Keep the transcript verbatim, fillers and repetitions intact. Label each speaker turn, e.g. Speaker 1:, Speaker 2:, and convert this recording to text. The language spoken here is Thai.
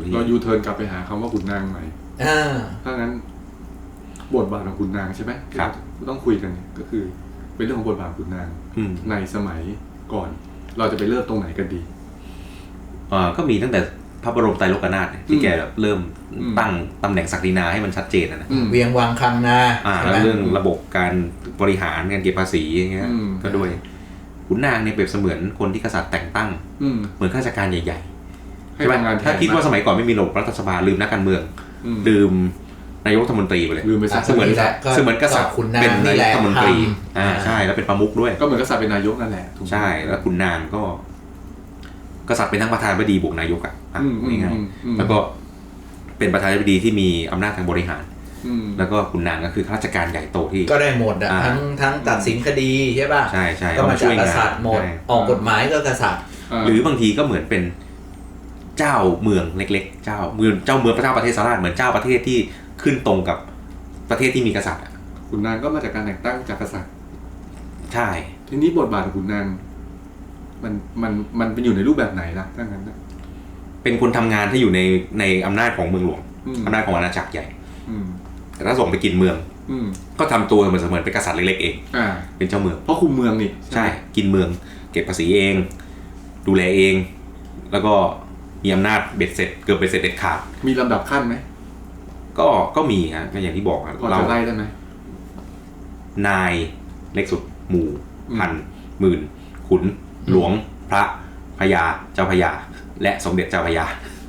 Speaker 1: เรายูเทิร์นกลับไปหาคำว่าขุนนางใหม่ถ้างั้นบทบาทของขุนนางใช่ไหมครับต้องคุยกันก็คือเป็นเรื่องของบทบาทขุนนางในสมัยก่อนเราจะไปเริ่มตรงไหนกันดี
Speaker 2: อ่าก็มีตั้งแต่พระบรมไตรโลกนาถที่แกแบบเริ่มตั้งตำแหน่งศักดินาให้มันชัดเจนนะ
Speaker 3: เวียงวังคำนา
Speaker 2: อ่าแล้วเรื่องระบบการบริหารการเก็บภาษีอย่างเงี้ยก็ด้วยขุนนางเนี่ยเปรียบเสมือนคนที่กษัตริย์แต่งตั้งเหมือนข้าราชการใหญ่ๆใช่ไหมถ้าคิดว่าสมัยก่อนไม่มีระบบรัฐสภาลืมนักการเมืองลืมนายกรัฐมนตรีไปเลย
Speaker 1: ลืมไปซะ
Speaker 2: เสมือนเสมือนกษัตริย์เป็นนายกรัฐมนตรีอ่าใช่แล้วเป็นประมุขด้วย
Speaker 1: ก็เหมือนกษัตริย์เป็นนายกนั่นแหละ
Speaker 2: ใช่แล้วขุนนางก็กษัตริย์เป็นทั้งประธานาธิบดีบวกนายกอ่ะง่ายๆแล้วก็เป็นประธานาธิบดีที่มีอำนาจทางบริหารแล้วก็ขุนนางก็คือข้าราชการใหญ่โตที่
Speaker 3: ก็ได้หมดอ่ะทั้งทั้งตัดสินคดีใช่ป่ะ
Speaker 2: ใช่ใช่
Speaker 3: ก็มาจากกษัตริย์หมดออกกฎหมายก็กษัตริย์
Speaker 2: หรือบางทีก็เหมือนเป็นเจ้าเมืองเล็กๆเจ้าเมืองเจ้าเมืองพระเจ้าประเทศสหราชเหมือนเจ้าประเทศที่ขึ้นตรงกับประเทศที่มีกษัตริย์
Speaker 1: ขุนนางก็มาจากการแต่งตั้งจากกษัตริย์
Speaker 2: ใช่
Speaker 1: ทีนี้บทบาทของขุนนางมันมันมันเป็นอยู่ในรูปแบบไหนล่ะถ้างั้นนะ
Speaker 2: เป็นคนทำงานที่อยู่ในในอำนาจของเมืองหลวงอำนาจของอาณาจักรใหญ่แต่ถ้าส่งไปกินเมืองก็ทำตัวเหมือนเสมือนเป็นกษัตริย์เล็กๆเองเป็นเจ้าเมือง
Speaker 1: เพราะคุมเมืองนี่
Speaker 2: ใช่กินเมืองเก็บภาษีเองดูแลเองแล้วก็มีอำนาจเบ็ดเสร็จเกือบเบ็ดเสร็จเด็ดขาด
Speaker 1: มีลำดับขั้นไหม
Speaker 2: ก็ก็มีฮะก็อย่างที่บอก
Speaker 1: เราจะไล่ได้ไหม
Speaker 2: นายเล็กสุดหมู่พันหมื่นขุนหลวงพระพญาเจ้าพญาและสมเด็จเจ้าพญา